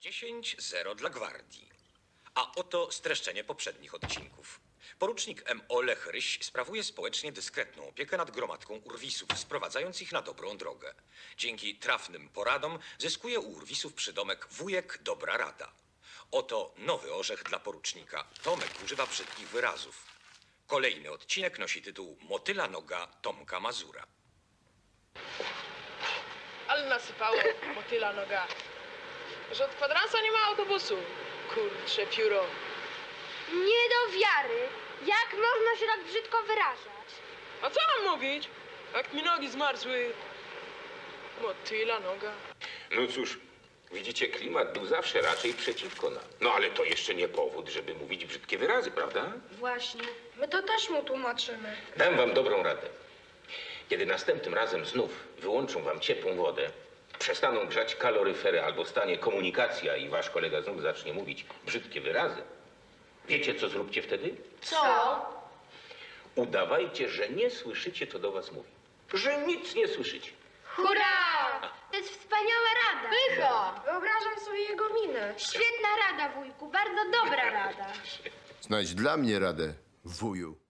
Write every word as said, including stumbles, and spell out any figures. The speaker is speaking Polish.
dziesięć zero dla gwardii. A oto streszczenie poprzednich odcinków. Porucznik M O Lech Ryś sprawuje społecznie dyskretną opiekę nad gromadką urwisów, sprowadzając ich na dobrą drogę. Dzięki trafnym poradom zyskuje u urwisów przydomek wujek Dobra Rada. Oto nowy orzech dla porucznika. Tomek używa brzydkich wyrazów. Kolejny odcinek nosi tytuł Motyla noga Tomka Mazura. Ale nasypało motyla noga. Że od kwadransa nie ma autobusu. Kurcze pióro. Nie do wiary! Jak można się tak brzydko wyrażać? A co mam mówić? Jak mi nogi zmarzły. Motyla noga. No cóż, widzicie, klimat był zawsze raczej przeciwko nam. No ale to jeszcze nie powód, żeby mówić brzydkie wyrazy, prawda? Właśnie. My to też mu tłumaczymy. Dam wam dobrą radę. Kiedy następnym razem znów wyłączą wam ciepłą wodę, przestaną grzać kaloryfery albo stanie komunikacja i wasz kolega znów zacznie mówić brzydkie wyrazy, wiecie, co zróbcie wtedy? Co? Udawajcie, że nie słyszycie, co do was mówi. Że nic nie słyszycie. Hurra! To jest wspaniała rada. Pycha! Wyobrażam sobie jego minę. Świetna rada, wujku. Bardzo dobra rada. Znajdź dla mnie radę, wuju.